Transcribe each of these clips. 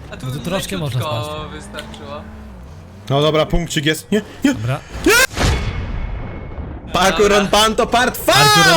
A tu No to troszkę można leciutko spać. wystarczyło. No dobra, punkcik jest. Nie, nie. Dobra. Parkour on Panto part 5!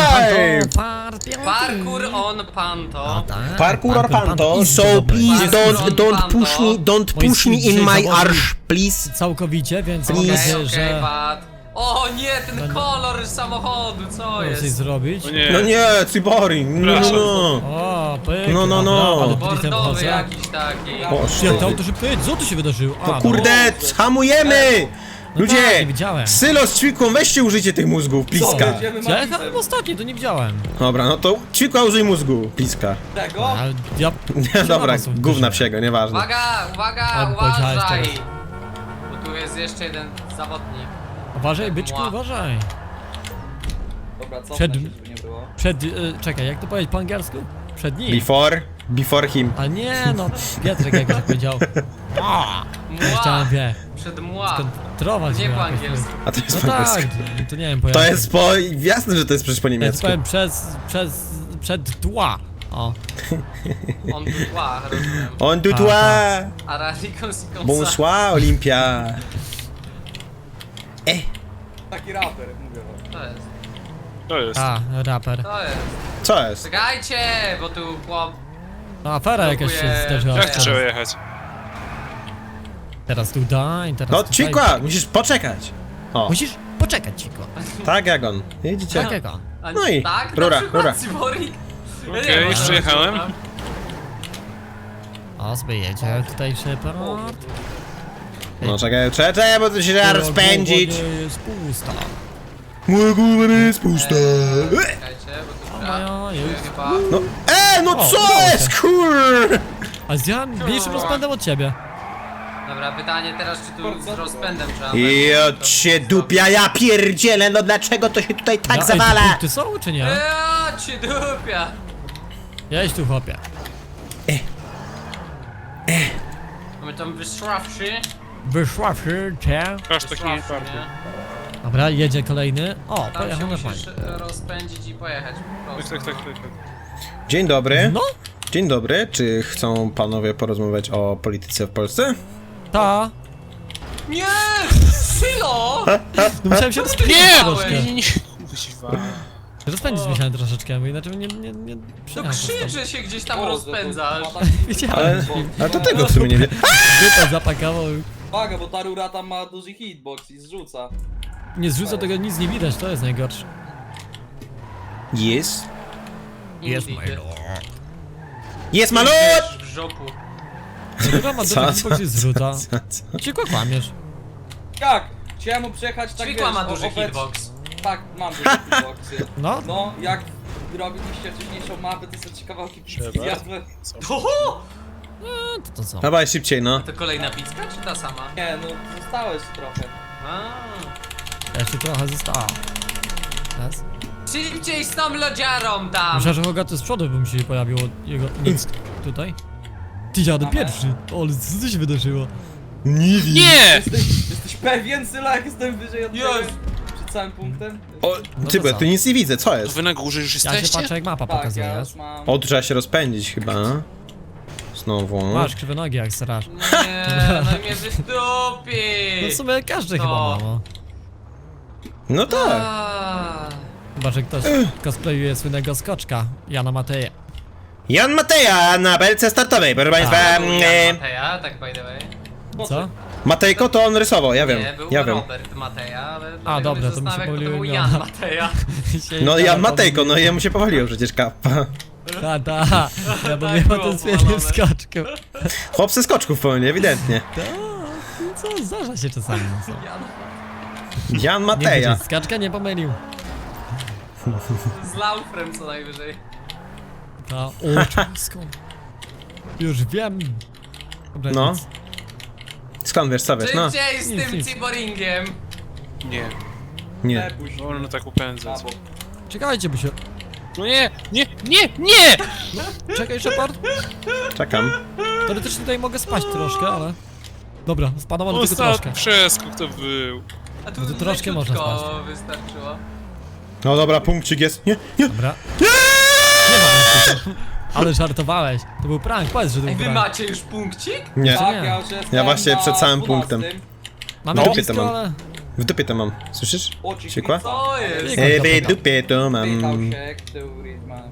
Parkour on panto. tak. Parkour on Panto, so please don't push me in my arse, please. Całkowicie, więc mam Okej, nadzieję, że Pat. O nie, ten kolor samochodu, co mogę coś jest? zrobić. O nie. No nie, Cibori, no, no, no. O, pyk. No, no, no. Dobra, ale dritem Bordowy chodzę. jakiś taki. Boże. Jak to auto szybko jedzie? Co tu się wydarzyło? A, No kurde, hamujemy! No tak, Ludzie, nie widziałem. Sylo z Ćwikłą, weźcie użycie tych mózgów, pliska. Ja jechałem ostatni, to nie widziałem. Dobra, no to Ćwikła użyj mózgu, pliska. Tego? Ale ja... Nie, dobra, są gówna duże. psiego, nieważne. Uwaga, uwaga, Albo powiedziałeś uważaj! teraz. Bo tu jest jeszcze jeden zawodnik. Uważaj, byczku, uważaj. Dobra, co Przed- żeby nie było? Czekaj, jak to powiedzieć po angielsku? Przed nim. Before him. A nie, no, Pietrek jakoś tak powiedział. Chciałem, wie, Przed mła. skontrować Nie mnie po jakoś. angielsku. A to jest No po tak, angielsku. to nie wiem po To jakim. jest po... jasne, że to jest przecież po Ja ci niemiecku. powiem przed tła. O, On tu tła, rozumiem. On du A, toi, A Radikon si comme ça. bonsoir Olympia. Taki raper, mówię wam. To jest, To jest. a, raper. to jest. Co jest? Czekajcie, bo tu chłop... No, afera jakaś się Dziękuję. zdarzyła. Jak trzeba jechać? Teraz tutaj, teraz No tutaj. Ćwikła, musisz poczekać. O, Musisz poczekać, Ciko. tak jak on. Widzicie? Tak jak on. A, No i tak, rura, na przykład rura. Cyborik. Ja nie Okej, wiem, już co przyjechałem. tam. O, sobie jedzie tutaj Shepard. No czekaj, bo to się da rozpędzić. Głowa nie jest pusta. Moja głowa nie jest pusta. Czekajcie, bo tu moja jest- chyba... No, no O, co udało jest, się. kur... A z mniejszym rozpędem od ciebie. Dobra, pytanie teraz, czy tu z rozpędem trzeba... Jo cię dupia, ja pierdzielę, no dlaczego to się tutaj tak Ja- zawala? Ej, ty są, czy nie? Ja cię dupia! Jedź tu, chłopie. Mamy tam wyszławszy. Wyszła cię. Aż taki Wyszławszy, parkour. nie? Dobra, jedzie kolejny. O, Tam się pojechał musisz normalnie. rozpędzić i pojechać po Tak, prostu. tak. Dzień dobry. No, Dzień dobry, czy chcą panowie porozmawiać o polityce w Polsce? ta. Nie! Sylo! No musiałem się rozpędzić Nie! troszkę. Nie! Kuźwa. Rozpędzić musiałem troszeczkę, bo inaczej nie No przyjechał. krzyczy się gdzieś tam O, rozpędzasz. to ma taki- Widziałem. Ale to tego w sumie nie wie. Wypę zapakował. Uwaga, bo ta rura tam ma duży hitbox i zrzuca. Nie zrzuca tego, nic nie widać, to jest najgorsze. Jest. Jest Indeed. Jest malut! Wiesz, w żopu. Dobra, ma Co, dużo co, hitboxy zrzuca. Co? Ciekło kłamiesz. Jak? Chciałem mu przejechać tak Ćwikła ma wiesz, duży obecnie- hitbox. Tak, mam duży hitboxy. No, No, jak robiliście wcześniejszą mapę, to są ciekawałki Trzeba. zjadłem. Oho! to co? Dawaj szybciej, no. To kolejna pizka, czy ta sama? Nie, no zostałeś trochę. A. Jeszcze trochę zostało. Raz. Szybciej z tą lodziarą tam! Myślałem, że Hogaty z przodu by mi się pojawiło jego nic tutaj. Ty jadę pierwszy. O, ale co tu się wydarzyło? Nie wiem. Nie! Jesteś pewien, Syla, jak jestem wyżej od ciebie? Jest. Przed całym punktem? O, No ty, to bo ja co? tu nic nie widzę, co To jest? wy na górze już Ja się jesteście? patrzę jak mapa Tak, pokazuje. ja jest. już mam... O, tu trzeba się rozpędzić chyba. Znowu. Masz krzywe nogi jak straż. Nie, no i mnie No wystupi! w sumie każdy To. chyba ma, no. No tak. Chyba, że ktoś cosplayuje słynnego skoczka, Jana Mateja. Jan Mateja na belce startowej, proszę państwa. Był Jan Mateja, tak by the way. Co? Matejko to on rysował, ja wiem. Nie, był Ja wiem. Robert Mateja, ale A, dlatego dobra, mnie to mi się zastanawia, kto to pomyliły był imiona. Jan Mateja. No Jan Matejko, no jemu się powaliło przecież kappa. Ta, ja bym miał było ten słynny powalone. skoczku. Chłop ze skoczków pełni, ewidentnie. No co, zdarza się czasami. No co? Jan Nie Mateja. wiecie, skaczka nie pomylił. Z Laufrem co najwyżej. Ta, o, skąd? Już wiem. Dobra, No. nic. Skąd wiesz, co wiesz, no? Szybciej z Nic, tym nic. cyboringiem! Nie. Nie. Puść Wolno tak upędzać. na bok. Czekajcie, by się... No nie! Nie! Czekaj, Shepard. Czekam. Teoretycznie tutaj mogę spaść troszkę, ale... Dobra, spadam, ale tylko troszkę. Ostatni przeskok to był. A tu No to troszkę leciutko można spać. wystarczyło. No dobra, punkcik jest. Nie, nie. Dobra. Nie ma nic. Ale żartowałeś. To był prank, powiedz, że to Ej, był wy prank. macie już punkcik? Nie. Tak, nie. ja już jestem Ja właśnie na przed samym 12. punktem. Mamy No. blisko, Dupie to mam. ale... W dupie to mam. Słyszysz? O, ci Ciekła? pizza. Co jest? Nie. W dupie to mam. Pytał się, który ma...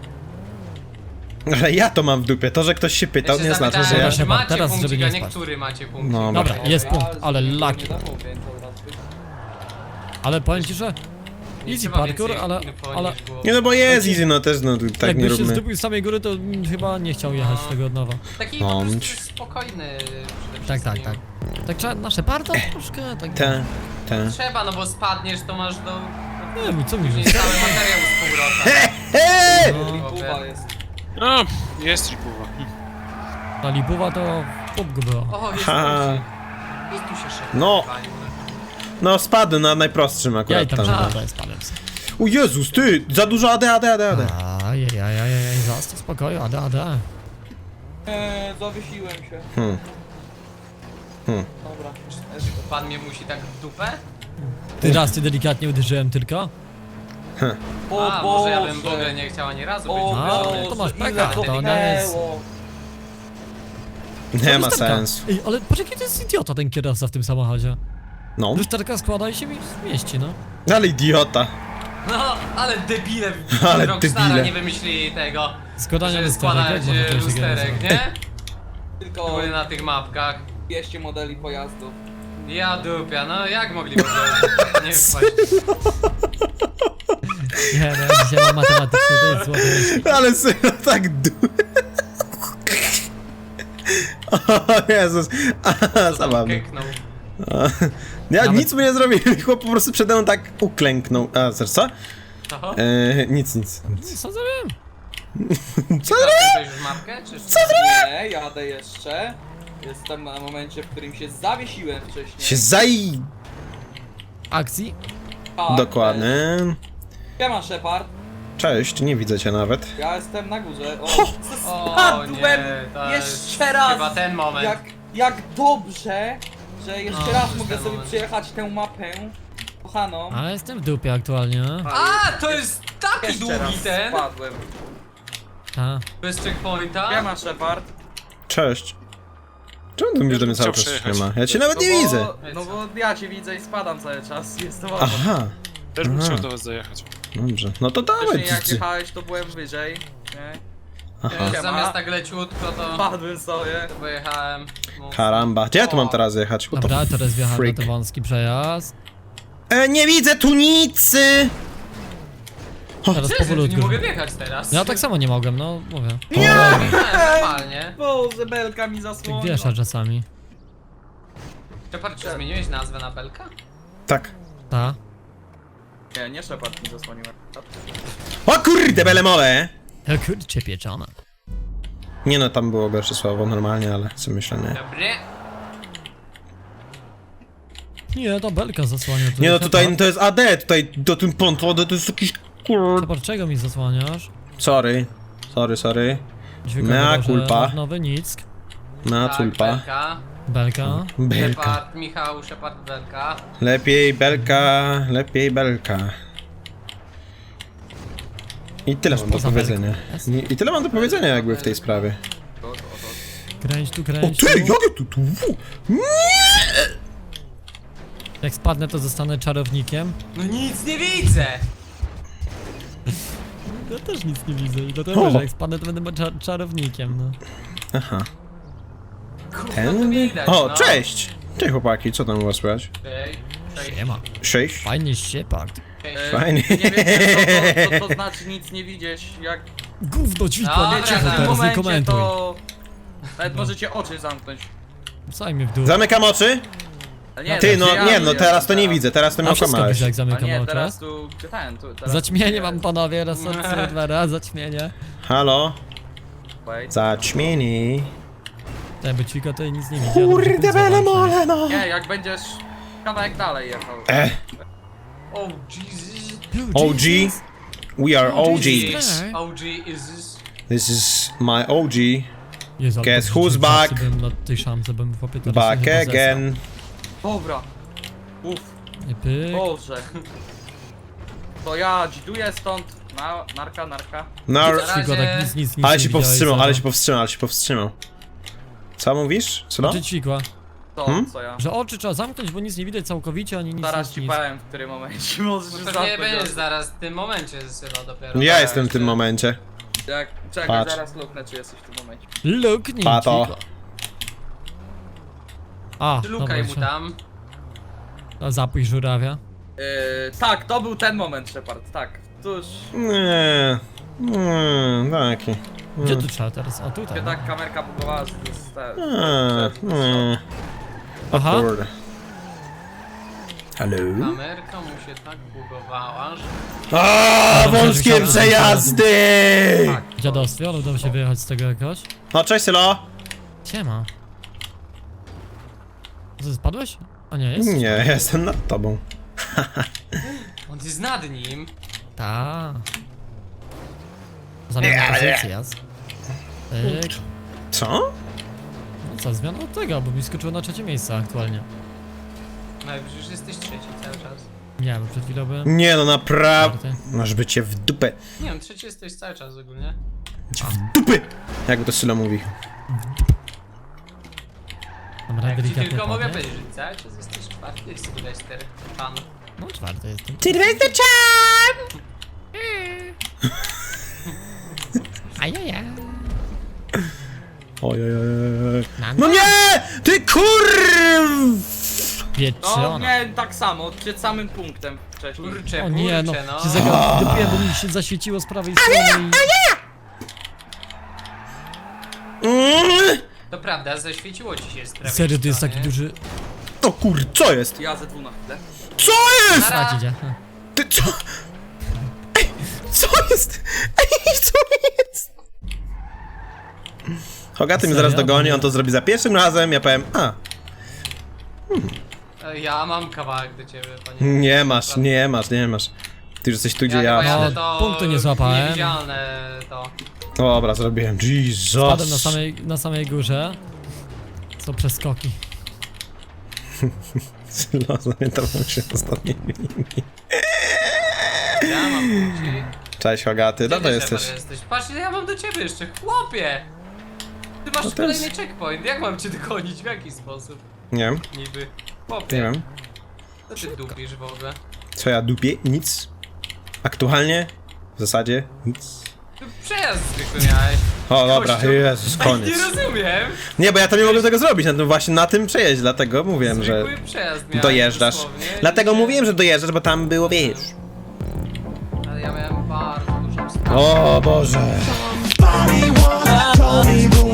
Ale ja to mam w dupie. To, że ktoś się pytał, Ja nie się znaczy, że zapytałem, ja... czy Dobra, macie teraz, żeby punkcik, nie a spać. niektóry macie punkcik. No, Dobra, jest punkt, ale nie lucky. zamówię, to raz być. Ale powiem ci, że... Nie Easy trzeba parkour, więcej ale... info ale... niż było. Nie no bo jest easy, no też no tak nie Jakbyś się róbmy. zdobył z samej góry, to chyba nie chciał jechać tego od nowa. Taki po prostu Bądź. spokojny przede Tak, tak, wszystkim. tak. Tak trzeba nasze parto troszkę, tak... Ta. Trzeba, no bo spadniesz, to masz do... Nie wiem, co mi Później że... cały materiał z powrotem. No, Kuba jest. No, jest ripuwa. ta lipuwa to w pupku było. O, jest Ha. punkcik. I tu się szybko No. palił. No spadł na najprostszym Ja i akurat tam tam. się daję spadłem sobie. O Jezus, ty! Za dużo AD. Ajajajajaj, zaraz spokoju, ada. Zawiesiłem się. Hmm. Dobra. Pan mnie musi tak w dupę? Ty raz cię delikatnie uderzyłem tylko. O A, może ja bym w Boże. ogóle nie chciał ani razu być O A, uderzony. to masz Boże, pecha, ile to nie jest- pchnęło. Nie ma Lusterka. sensu. Ej, ale patrz jaki to jest idiota ten kierowca w tym samochodzie. No. Lusterka składa i się mieści, no. Ale idiota. No, ale debile Ale Rockstara debile. nie wymyślili tego, Składanie że lusterek, składać jak można coś takiego lusterek, nazywać? nie? Tylko Były na tych mapkach. 200 modeli pojazdów. Ja dupia, no jak mogli w ogóle nie wpaść? Nie, no, dzisiaj mam matematyczne, to jest złote. Ale serio, tak O Jezus. Aha, zabawny. Keknął. Ja Nawet- nic mu nie zrobiłem, chłop po prostu przede mną tak uklęknął. A, zresztą co? To? Nic. Co zrobiłem? Co? Zakończyłeś już mapkę, czy co? Nie, jadę jeszcze. Jestem na momencie, w którym się zawiesiłem wcześniej. Się zaj... Akcji? Tak, Dokładnie. Siema Shepard, Cześć, nie widzę cię nawet. ja jestem na górze. O, O nie, spadłem to jest jeszcze raz! chyba ten moment. Jak dobrze, że jeszcze No, raz to mogę jest ten sobie moment. przejechać tę mapę kochaną. Ale jestem w dupie aktualnie. A, to jest taki Jeszcze długi raz ten, spadłem. A, bez checkpointa. Siema Shepard. Cześć. Czemu ty mówisz do mnie cały Chciał czas nie przejechać. ma? Ja cię nawet nie widzę. No bo ja cię widzę i spadam cały czas. Jest to ważne. Aha, Też bym Aha. chciał do was zajechać. dobrze. No to dawaj. Wcześniej jak jechałeś, to byłem wyżej. Nie? Aha. Siema. Zamiast tak leciutko to Spadłem sobie. pojechałem. mocno. Karamba. Gdzie ja tu mam teraz jechać? What the dobra, teraz wjechałem freak? na ten wąski przejazd. Nie widzę tu nic! Teraz Jezu, tu nie powolutku. mogę wjechać teraz. Ja tak samo nie mogłem, no mówię. Nie, normalnie. Boże, belka mi Tak zasłoniła. wiesza czasami. Shepard, czy zmieniłeś nazwę na Belka? Tak. Ta. Nie Shepard mi zasłoniła. O kurde, belemole! Ja kurczę pieczona. Nie no, tam było gorsze słowo normalnie, ale co myślę, nie. Dobry. Nie, ta belka zasłania. tu. Nie no, tutaj Shepard, to jest AD, tutaj do tym pontodu to jest jakiś kur... Shepard, czego mi zasłaniasz? Sorry. Dźwiękowy Mea Boże, culpa. Nowy Nick. Na Tak, culpa. Belka. Belka. Belka. Shepard, Michał, Shepard, Belka. Lepiej belka. I tyle mam do poza powiedzenia. belką. I tyle mam do powiedzenia jakby w tej sprawie. Kręć tu, O kręć ty, tu. jakie tu? Jak spadnę, to zostanę czarownikiem. No nic nie widzę! Ja też nic nie widzę i dlatego, O. że jak spadnę, to będę czarownikiem, no. Aha. Kurwa, to Ten? widać, O, no. cześć! Cześć chłopaki, co tam u was słychać? Cześć. Nie ma. Cześć. Fajnie Shepard. Fajnie. Nie wiem, co to znaczy nic nie widzieć. Jak Gówno dźwigła, Dobra, nie cicho w tym w tym teraz, nie momencie komentuj. to... Nawet możecie oczy zamknąć. Wsaj mnie w dół. Zamykam oczy? Ale nie, Ty, znaczy no nie, no teraz to nie widzę, teraz to mnie A wszystko okłamałeś. widzę, jak A zamykam nie, oczy. teraz tu... Ten, tu teraz Zaćmienie mam panowie, raz, dwa razy zaćmienie. Halo? Wait. Zaćmieni. Tak, bo ćwika tutaj nic nie widzi. Kurde belemole, no! Nie, jak będziesz kawałek dalej jechał. Oh Jesus. OG? We are OG. OG is this. This is my OG. Jezu, ale Guess to who's rzeczywiście back? Bym na tej szamce bym chłopie teraz Back się chyba again. Dobra. Uff, zesrał. I pyk. Boże. To ja dziduję stąd Narka. No, Na Tylko razie- tak nic ale nie się widziałeś, powstrzymał, Seba. ale się powstrzymał. Co mówisz? Co? Oczy ćwikła. To, Hmm? co ja. Że oczy trzeba zamknąć, bo nic nie widać całkowicie, ani nic, Zaraz ci nic. powiem, w którym momencie możesz No już pewnie zamknąć będziesz oczy. zaraz w tym momencie chyba dopiero. Ja jestem w tym momencie. Czekaj, Patrz. zaraz luknę, czy jesteś w tym momencie. Luknij Pato. ćwikła. A, Lukaj mu dobra, tam. a zapój żurawia. Tak, to był ten moment, Shepard, tak. Tuż, Nie, taki. Gdzie tu trzeba teraz? O, tutaj. się no. tak kamerka bugowała, że to jest Aha. Kurde. Halo? Kamerka mu się tak bugowała, że... A, wąskie przejazdy! Dziadostwie, ale udało się wyjechać z tego jakoś. No, cześć Sylo. Siema. Co, spadłeś? A nie, jest? Nie, ja jestem nad tobą. On jest nad nim. Ta. Zamiana pozycji, jas. Tyk. Co? No co, zmiana od tego, bo mi skoczyło na trzecie miejsce aktualnie. No i przecież jesteś trzeci cały czas. Nie, bo przed chwilą byłem Nie no, naprawdę. czwarty. Masz być cię w dupę. Nie wiem, trzeci jesteś cały czas ogólnie. Dupy! Jakby to Sylo mówi. Dobra, Jak ci delikatnie tylko mogę podnieść. powiedzieć, że cały czas jesteś czwarty, chcę wydać cztery. Pan. No czwarty jestem. Sylwester Chan! Ajajaj. Ojojoj. Mam No nie! Ty kurw! No, pieczona. miałem tak samo, przed samym punktem wcześniej. Kurczę, O nie, no, kurczę, no. się zagapiłem, bo mi się zaświeciło z prawej strony To prawda, zaświeciło ci się z i... prawej Serio, to jest strony. taki duży... O kur, co jest? Ja ze dwóch na chwilę. Co jest? Nara. A, dzidzia. Ty co? Ej, co jest? Ej, co jest? Hogaty mnie zaraz Serio? dogoni, on to zrobi za pierwszym razem, ja powiem, a, Ja mam kawałek do ciebie, panie. nie masz, nie masz, nie masz. Ty już jesteś tu, gdzie Ja chyba ja. jadę No, to... punktu nie złapałem. Niewidzialne to. Dobra, zrobiłem, Jesus. Padłem na samej górze. Co przeskoki. Sylo, zapamiętałem się ostatniej linii. Ja mam punkcik. Cześć Hogaty, no to Gdzie ty, jesteś. Shepard, jesteś? Patrz, ile ja mam do ciebie jeszcze, chłopie! Ty masz No to kolejny jest- checkpoint, jak mam cię dogonić, w jaki sposób? Nie wiem, Niby. nie Chłopie, wiem. co ty dupisz w ogóle? Co ja dupię? Nic. Aktualnie? W zasadzie? Nic. Ty przejazd zwykły miałeś. O, dobra, Kościół. Jezus, koniec. Nie rozumiem! Nie, bo ja to nie mogłem tego zrobić, właśnie na tym przejeździe, dlatego mówiłem, że Zwykły przejazd miałeś dojeżdżasz. dosłownie. Dlatego I się- mówiłem, że dojeżdżasz, bo tam było, wiesz. Ale ja miałem bardzo dużą sprawę. O Boże. Body wanna, told me, but